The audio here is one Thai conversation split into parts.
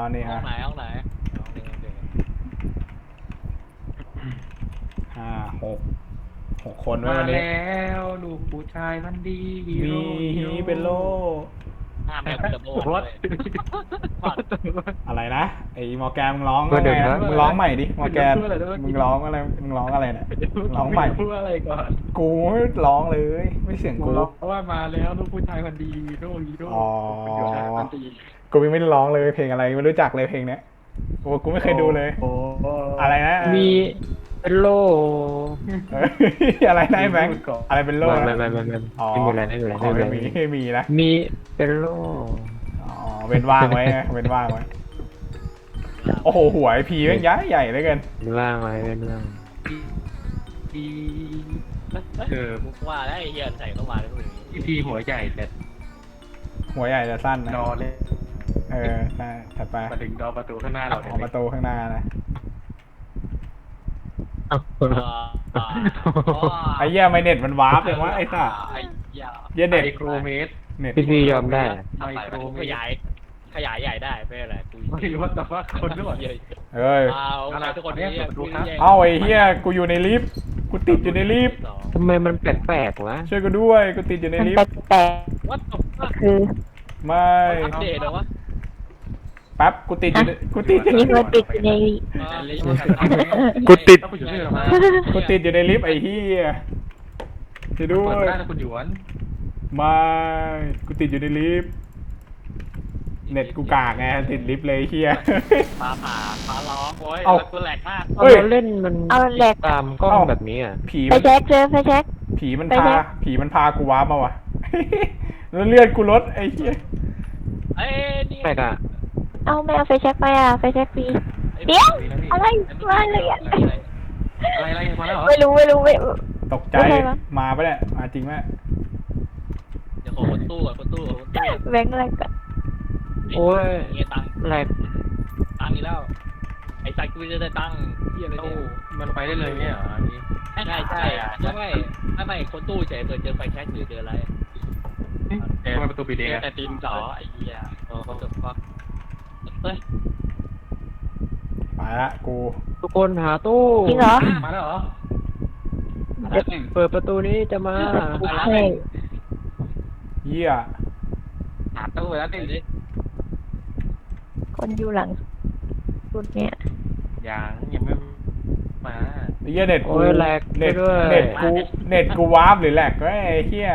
นี่ฮะห้องไหนห้องไหนห้องนี้โอเคห้าหกคนไว้มาวันนี้แล้วลูกผู้ชายมันดีฮีมีโร่ฮีฮีโร่เป็นโลห้ามแม่งจะโบนวัดอะไรนะไอ้มอร์แกนมึงร้องก็เดี๋ไงยวนะนะมึงร้องใหม่ดิมอร์แกนพูดอะไรด้วยมึงร้องอะไรเนี่ยร้องใหม่พูดอะไรก่อนกูไม่ร้องเลยไม่เสียงกูกูร้องว่ามาแล้วลูกผู้ชายมันดีฮีโร่ฮีโร่อ๋อลูกผู้ชายมันดีกูยังไม่ได้ร้องเลยเพลงอะไรไม่รู้จักเลยเพลงเนี้ยโอ้กูไม่เคยดูเลยโอ้อะไรนะมีเป็นโลเอ้ยอะไรนะไอ้แบงค์อะไรเป็นโลไม่นะไม่อ๋อไม่มีอะไรไม่มีอะไรอ๋อไม่ไม่มีมีอะไรไม่มีนะมีเป็นโลอ๋อเว้นว่างไว้ไงเว้นว่างไว้โอ้โหหัวไอพีแม่งย้ายใหญ่เหลือเกินเป็นว่างไว้เป็นว่างดีมุกว่าแล้วไอ้เหี้ยใส่เข้ามาแล้วพวกนี้พี่พีหัวใหญ่แต่หัวใหญ่จะสั้นนะนอนเลยเออใช่ถัดไปมาถึงดอประตูข้างหน้าเราออกประตูข้างหน้านะเอ้าไอ้เหี้ยไม่เน็ตมันวาร์ปเลยวะไอ้สัสไอ้เหี้ยเหี้ยเน็ตไมโครเมตรเน็ตพี่ยอมได้ไมทำไปโครเมขตรยายใหญ่ได้ไม่เป็นไรกูไม่รู้ว่าแต่ว่าคนด้วยเหี้ยเอ้ยเอาทุกคนเนี่ยเอ้าไอ้เหี้ยกูอยู่ในลิฟต์กูติดอยู่ในลิฟต์ทำไมมันแปลกๆวะช่วยกูด้วยกูติดอยู่ในมันลิฟแต์ปลกวัดตบๆคือไม่อัปเดตเหรอวะแป๊บกูติดอยู่ในกูติดนี่มันติดอยู่ในกูติดต้องไปอยู่ที่ไหนมากูติดอยู่ในลิฟต์ไอ้เหี้ยช่วยด้วเปิดยไม่ได้นะคุณหยวนไม่กูติดอยู่ในลิฟต์เน็ตกูกากไงติดลิฟต์เลยไอ้เหี้ยฟ้าร้องโอ้ยเอ้าแล้วกูแหลกมากเฮ้ยเราเล่นมันเอาแหลกตามกล้องแบบนี้อ่ะผีไฟมันแช็กเจอไฟแช็กผีมันไปพาไหนผีมันพากูว้าร์ปมาวะ แล้วเลือดกูลดไอ้เหี้ยเอ้ยนี่แปลกอ่ะเอาไม่เอาไฟแช็กไปอ่ะไฟแช็กฟรีเดี๋ยวอะไรมาเลยอ่ะอะไรมาแล้วเหรอไม่รู้ไม่ตกใจไม่ใช่ปะมาปะเนี่ยมาจริงไหมเดี๋ยวขอคนตู้ก่อนคนตู้แบงค์อะไรกันโอ้ยเงี้ยตังค์แหลกตังค์อีกแล้วไอ้สัตว์กูจะได้ตังค์ที่อะไรตู้เนี่ยมันไปได้เลยเนี่ยเหรออันนี้ใช่ไม่คนตู้เฉยเปิดเจอไฟแช็กหรือเจออะไรทำไมประตูปิดเองอะแต่ตีนจ่อไอ้เหี้ยโอ้โหจบก็เฮ้ยไปละกูทุกคนหาตู้จริงเหรอมาแล้วเหรอเปิดประตูนี้จะมาใช่เหี้ยหาตู้ไปแล้วดิคนอยู่หลังสุดเนี่ยยังไม่มาไอ้เหี้ยเน็ตกูโอ้ยแหลกไปเน็ตด้วยเน็ตกูวาร์ปหรือแหลกก็ไอ้เหี้ย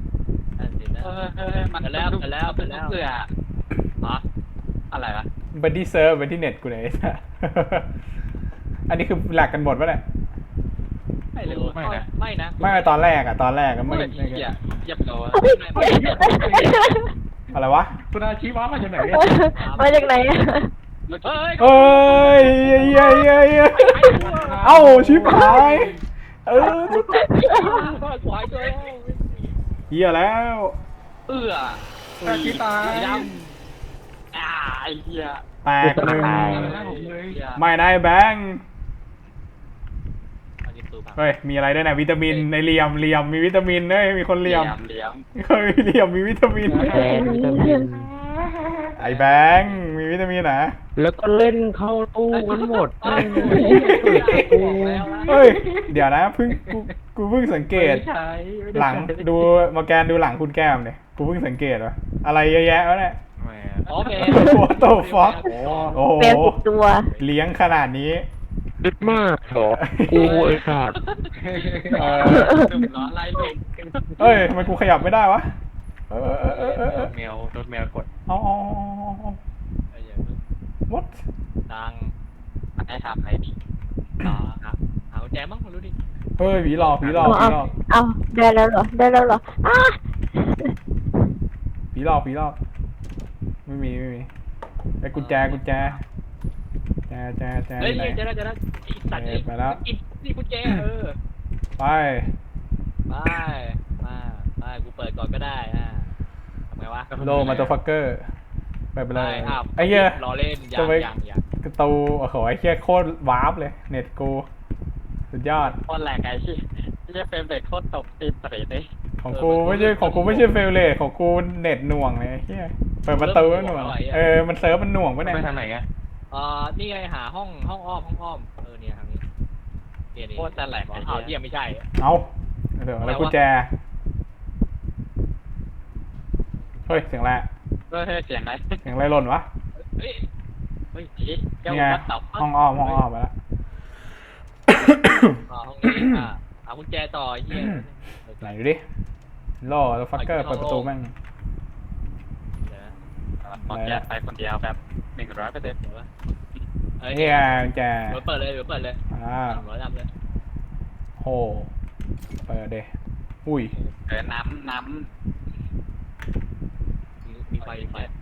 มันแล้วเบื่ออ๋ออะไรวะบันที่เซิร์ฟบันที่เน็ตกูไหนยไอ้สัส อันนี้คือแหลกกันหมดปะเนี่ยไม่รู้ไม่นะไม่ตอนแรกอะไม่เหี้ยเยียบโลอะไรวะคุณอาชีวะมาจากไหนเนี่ยมาจากไหนอ่ะเฮ้ยเอ้ยเหี้ยเอ้าชิบหายชิบหายขวายตัวเหี้ยแล้วอาชีตายดำไอ้เหี้ยแตกหนึ่งผมเลยไม่ได้แบงค์เฮ้ยมีอะไรด้วยนะวิตามินในเหลี่ยมมีวิตามินเฮ้ยมีคนเหลี่ยมเหลี่ยมเฮ้ยเหลี่ยมมีวิตามินแดงวิตามินไอ้แบงค์มีวิตามินนะแล้วก็เล่นเข้าตู้กันหมดเฮ้ยเดี๋ยวนะกูเพิ่งสังเกต หลังดูมาแกนดูหลังคุณแก้มเนี่ยกูเพิ่งสังเกตว่าอะไรเยอะแยะวะเนี่ยโอเค What the fuck โอ้โหแมวติดตัวเลี้ยงขนาดนี้ดึกมากเหรอกูไอ้สัตว์ร้อนไล่เด็กเอ้ยทำไมกูขยับไม่ได้วะเออโดนแมวกดเอาwhat ดังให้ทำอะไรดีต่อครับหากุญแจมั้งไม่รู้ดิเฮ้ยผีหลอกเอาได้แล้วเหรออ้าผีหลอกไม่มีไอ้กุญแจแจเฮ้ยไหนจะได้สัตว์นี่กุญแจไปกูเปิดก่อนก็ได้ทำไงวะโลมาตัวฟักเกอร์ไปเลยอ้าวไอ้เหี้ยรอเล่นยังกระตูโอ้โหไอ้เหี้ยโคตรวาร์ปเลยเน็ตกูสุดยอดโคตรแหลกไอ้ที่เฟรมเรทโคตรตกตีนเตะเลยของกูไม่ใช่เฟลเลตของกูเน็ตหน่วงเลยไอ้เหี้ยเปิดประตูมันหน่วงมันเซิร์ฟมันหน่วงปะเนี่ยไปทางไหนอะนี่ไงหาห้องอ้อมเนี่ยทางนี้เนี่ยโคตรจะแหลกอ้าวเยี่ยมไม่ใช่เอาเดี๋ยวแล้วกุญแจเฮ้ยเสียงอะไรเสียงอะไรเสียงอะไรหล่นวะเฮ้ยแก้วนี่ไงวัดเต่าห้องอ้อมไปแล้วห้องนี้เอากุญแจต่อเฮียไหนดูดิล่อแล้วฟักเกอร์เปิดประตูแม่งมองแกไปคนเดียวแบบ100%เดี๋ยววะนี่ไงกุญแจเดี๋ยวเปิดเลยร้อยดำเลยโหเปิดเดอุ้ยน้ำมีไฟ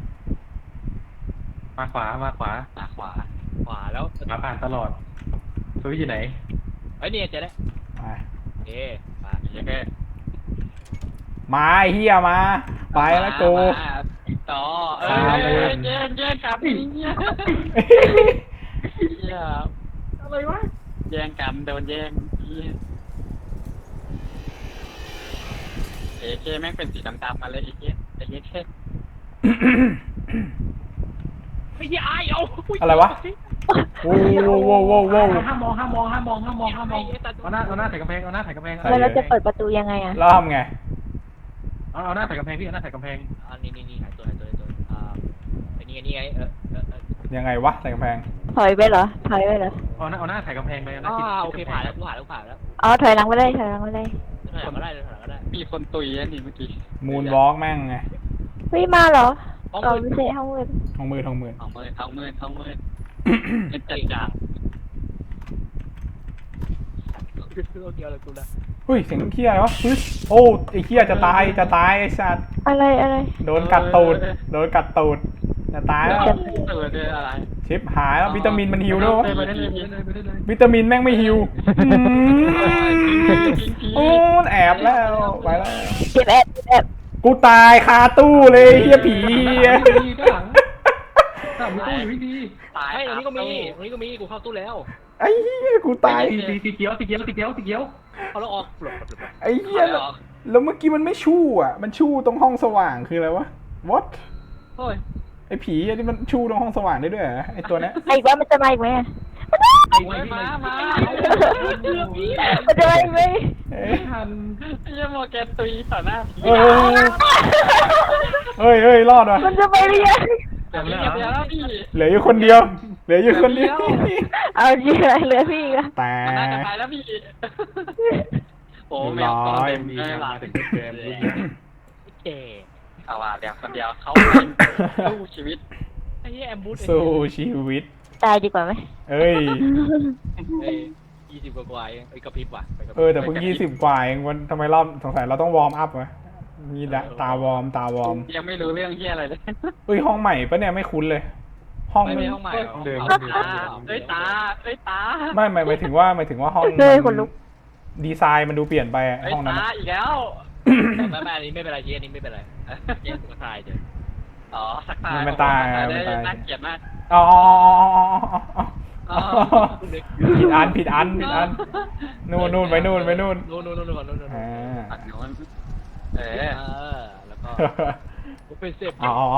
มาขวาขวาแล้วมาผ่านตลอดซื้ออยู่ไหนเฮ้ยเนี่ยเจ๊ได้ไปมาโอเคมาไอ้เฮียมาไปแล้วกูต่อเจ๊กลับเนี่ยอะไรวะแย่งกันโดนแย่งเจ๊แม่งเป็นสีดำๆมาเลยไอ้เจ๊เท่ไม่ใช่เอาอะไรวะโว้วห้ามมองเอาหน้าใส่กำแพงเอาหน้าใส่กำแพงแล้วเราจะเปิดประตูยังไงอ่ะแล้วทำไงเอาหน้าใส่กำแพงพี่เอาหน้าใส่กำแพงนี่หายตัวไอ้นี่ไงยังไงวะใส่กำแพงถอยไปเหรอเอาหน้าใส่กำแพงเลยนะโอเคผ่านแล้วผ่านแล้วอ๋อถอยหลังไปเลยถอยก็ได้มีคนตุยนี่เมื่อกี้มูนวอล์กแม่งไงเฮ้ยมาเหรอก่อนไม่ใช่ห้องมืดทองมือเอามือเป็นจัดจ้าเดียวเลยกูละอุ้ยเสียงเคี้ยวะปึ๊ดโอ้ไอ้เคี้ยจะตายไอ้สัตว์อะไรโดนกัดตูดจะตายแล้วอะไรชิปหายแล้ววิตามินมันฮิวด้วยวะไปได้เลยวิตามินแม่งไม่ฮิวโอ้แอบแล้วไปแล้วเก็บแอบกูตายคาตู้เลยเฮียผีด้านหลังมีตู้อยู่ดีตายอันนี้ก็มีกูเข้าตู้แล้วไอ้เฮียกูตายสีเขียวเอาแล้วออกไอ้เฮียแล้วเมื่อกี้มันไม่ชู่อ่ะมันชู่ตรงห้องสว่างคืออะไรวะ what โอ้ยไอ้ผีอันนี้มันชู่ตรงห้องสว่างได้ด้วยเหรอไอ้ตัวเนี้ยอีกว่ามันจะมาอีกไหมมามันจะมาอีกไหมเอ้ยทันยังมอแกตุยต่อหน้าผีเฮ้ยรอดว่ะมันจะไปหรือยังจำแล้วแล้วพี่เหลืออยู่คนเดียวเอาจริงอะไรเหลือพี่อีกอะแต่น่าจะไปแล้วพี่โอ้แมวตัวเต็มเลยหลังถึงเกมเก๋เอาว่าเดี๋ยวคนเดียวเขาสู้ชีวิตไอ้แอมบูสสู้ชีวิตตายดีกว่าไหมเอ้ย 20 กว่าไอ้กระพริบว่ะแต่เพิ่ง20 กว่าเองวันทำไมรอบสงสัยเราต้องวอร์มอัพวะมีตาวอร์มยังไม่รู้เรื่องเฮียอะไรเลยเฮ้ยห้องใหม่ปะเนี่ยไม่คุ้นเลย ห้องไม่มันห้องใหม่เดิมเอ้ยตาไม่หมายถึงว่าห้องเฮ้ยคนลุกดีไซน์มันดูเปลี่ยนไปห้องนั้นตาอีกแล้วไม่อันนี้ไม่เป็นไรเชียอันนี้ไม่เป็นไรเชียสุดท้ายเดี๋ยวอ๋อสักตาน่าเกลียดมากอ๋อผิดอันนู่นไปนู่นนู่นอ่าแล้วก็เป็นเสพ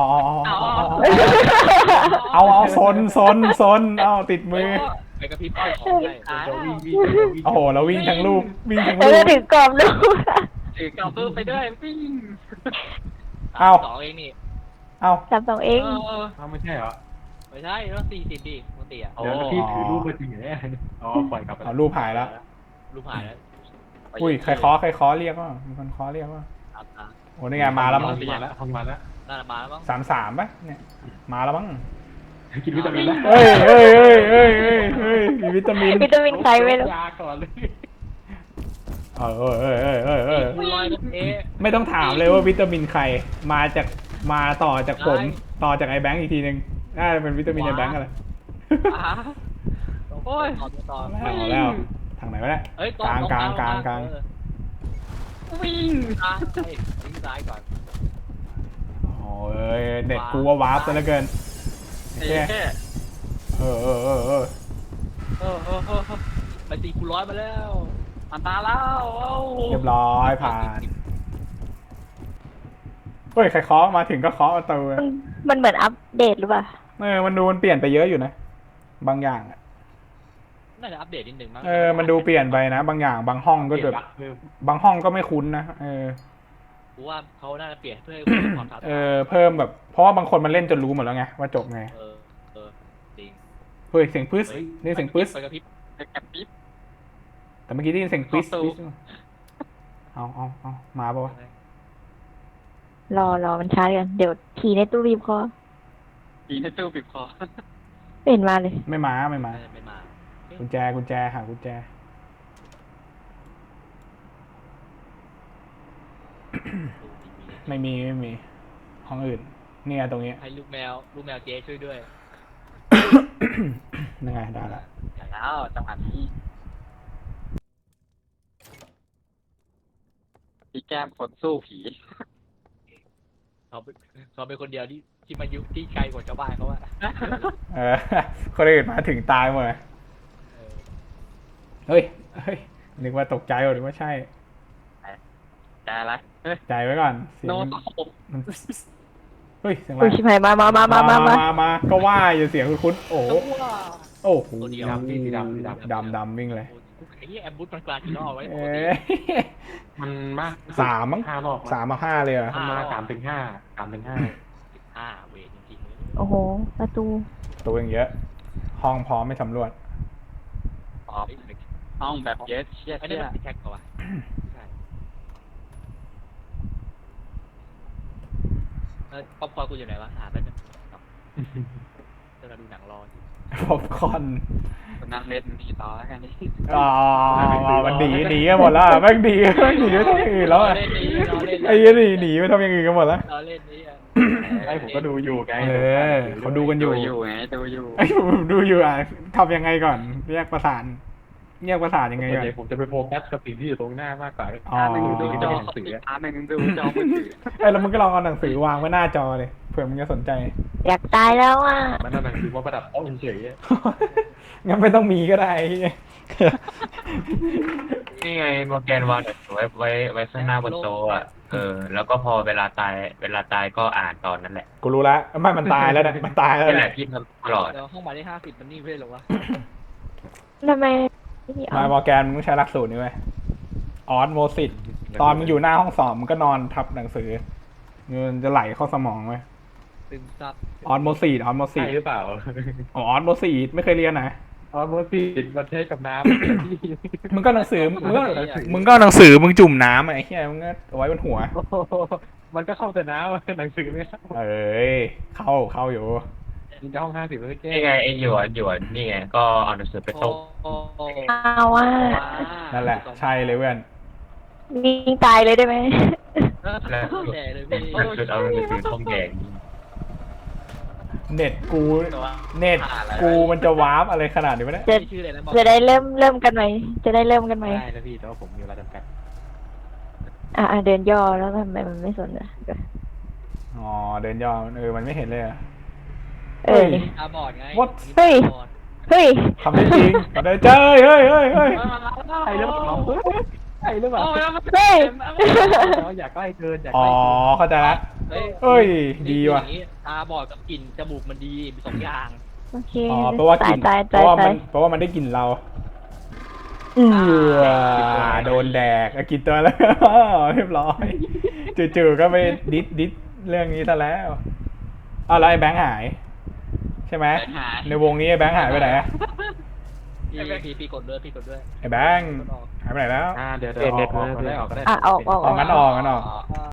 เอาซนเอาติดมือไปกระพริบของได้โอ้โหแล้ววิ่งทั้งลูกแล้วก็ถึงกรอบลูกถือกระเบื้องไปด้วยวิ่งเอา 2เองนี่เอา 32เองไม่ใช่เหรอไม่ใช่ต้อง40ดิปกติอ่ะเดี๋ยวพี่ถือรูปมาจริงเหรอเนี่ยอ๋อปล่อยกลับไปเอารูปหายแล้วรูปหายแล้วอุ้ยใครเคาะเรียกว่ามีคนเคาะเรียกว่าโอ้นี่ไงมาแล้วมั้งมาแล้วมาแล้วน่าจะมาแล้วมั้ง 33ป่ะเนี่ยมาแล้วมั้งกินวิตามินแล้วเฮ้ยมีวิตามินใครไม่รู้ยาก่อนเลยกูลอยกับเอไม่ต้องถามเลยว่าวิตามินใครมาต่อจากผมต่อจากไอ้แบงค์อีกทีนึงน่าจะเป็นวิตามินไอ้แบงค์อะไรโอ้ยต่อแล้วทางไหนวะเนี่ยกลางวิ่งซ้ายก่อนโอ้ยเด็กกูว่าวาร์ปซะเหลือเกินแค่ไปตีกูร้อยมาแล้วมันตาแล้วเรียบร้อยผ่านเฮ้ยใครเคาะมาถึงก็เคาะประตูมันเหมือนอัปเดตหรือเปล่ามันดูมันเปลี่ยนไปเยอะอยู่นะ บางอย่างอะน่าจะอัปเดตนิดนึงมั้งมันดูเปลี่ยนไปนะ บางอย่างบางห้องก็แบบบางห้องก็ไม่คุ้นนะกูว่าเขาน่าจะเปลี่ยนเพื่อให้คนความท้าทายเพิ่มแบบเพราะว่าบางคนมันเล่นจนรู้หมดแล้วไงว่าจบไงจริงเฮ้ยเสียงปึ๊สนี่เสียงปึ๊สไปกระพริบกระพริบแต่เมื่อกี้ได้ยินเสียงปึ๊สเข้าตู้เอามาปะวะรอมันช้ากันเดี๋ยวทีในตู้บีบคอปีในตู้ปิดคอไม่เห็นมาเลยไม่มาไม่มากุญแจหากุญแจ ไม่มีห้องอื่นเนี่ยตรงนี้ให้ลูกแมวเจ๊ช่วยด้วยยังไงได้ละอย่างแล้วจังหวะนี้พี่แก้มคนสู้ผีเขาเป็นคนเดียวที่มายุที่ไกลกว่าชาวบ้านเขาอะคนอื่นมาถึงตายหมดเลยเฮ้ยนึกว่าตกใจหรือว่าใช่ใจอะไรใจไว้ก่อนเสียงโนมันเฮ้ยเสียงอะไรอุ้ยชิบหายมาก็ว่าอยู่เสียงคุ้นๆโอ้โหตัวเดียวดำพี่สีดำดำวิ่งเลยไอ้แอมบูธมันกลางกี่รอบไว้มันมาก 3 มั้ง 5 รอบ 3 มา 5เลยเหรอมันมา3 ถึง 5 เวทจริงๆเลยโอ้โหประตูตัวอย่างเยอะ ห้องพร้อมไม่สำรวจห้องแบบเยสเชียไอ้นี่มันแท็กกว่าใช่ป๊อปคอร์นกูอยู่ไหนวะหาแป๊บนึงจะมาดูหนังรอป๊อปคอร์นนั่งเล่นดีต่อแล้วกันนี่มันหนีกันหมดแล้วแม่งหนีไปทำอย่างอื่นแล้วอะไอ้ยี่หนีไปทำอย่างอื่นกันหมดแล้วรอเล่นนี่อ่ะไอ้ผมก็ดูอยู่ไงเขาดูกันอยู่ไงดูอยู่ไอ้ผมดูอยู่ทำยังไงก่อนแยกประสานยังไงก่อนผมจะไปโฟกัสกับสิ่งที่อยู่ตรงหน้ามากกว่าอ๋อดูจอหนังสือดูจอมือถือแล้วมึงก็ลองเอาหนังสือวางไว้หน้าจอเลยเผื่อมึงจะสนใจอยากตายแล้วอ่ะมันเอาหนังสือมาประดับโต๊ะเฉยงั้นไม่ต้องมีก็ได้นี่ไงโมแกนวางไว้ข้างหน้าบนโต๊ะอ่ะแล้วก็พอเวลาตายก็อ่านตอนนั้นแหละกูรู้แล้วไม่มันตายแล้วนะมันตายแล้วนี่แหนะละที่ทำตลอดเดี๋ยวห้องหมายเลข50มันนี่เพื่อนหรอวะทำไมไม่เอามามอร์แกนมึงต้องใช้หลักสูตรนี้ไว้ออสโมซิสตอนมึงอยู่หน้าห้องสอบมึงก็นอนทับหนังสือเงินจะไหลเข้าสมองไว้ซึมซับออสโมซิสใช่หรือเปล่าออสโมซิสไม่เคยเรียนนะอ๋อมันปิดประเทศกับน้มึงก็หนังสือมึงก็หนังสือมึงจุ่มน้ำไอ้เหี้ยมึงก็เอาไว้บนหัวำมันก็เข้าแต่น้ำหนังสือไม่เข้าเอ้ยเข้าอยู่ยิงห้อง50แล้วแก้นี่ไงไอ้หยวนนี่ไงก็เอาหนังสือไปส่งเอาว่านั่นแหละใช่เลยเว้ยยิงตายเลยได้ไหมแล้วแย่เลยพี่จุดเอาหนังสือท่องแดงเน็ตกูมันจะวาร์ปอะไรขนาดนี้วะเนี่ยชื่ออะไรนะบอกจะได้เริ่มกันไหมจะได้เริ่มกันไหมได้แล้วพี่แต่ว่าผมมีเวลาจำกัดเดินย่อแล้วทำไมมันไม่สนอ่ะอ๋อเดินย่อมันไม่เห็นเลยอะตาบอดไงเฮ้ยทำได้จริงทำได้เจ้ยเฮ้ยใช่หรือเปล่าใช่หรือเปล่าเฮ้ยอยากใกล้เกินอยากอ๋ใกอล้เกินเข้าใจละเอ้ยดีว่ะตาบอดกับกลิ่นจมูกมันดีมี2อย่างโอเคอ๋อเพราะว่ากลิ่นตายเพราะว่ามันได้กลิ่นเราโดนแดกกินตัวแล้ว เรียบร้อยจู่ๆก็ไปดิสเรื่องนี้ซะแล้วแล้วไอ้แบงค์หายใช่ไหมในวงนี้ไอ้แบงค์หายไปไหนพี่กดด้วยไอ้แบงค์หายไปไหนแล้วเดี๋ยวออกก็ได้ออกงั้นออก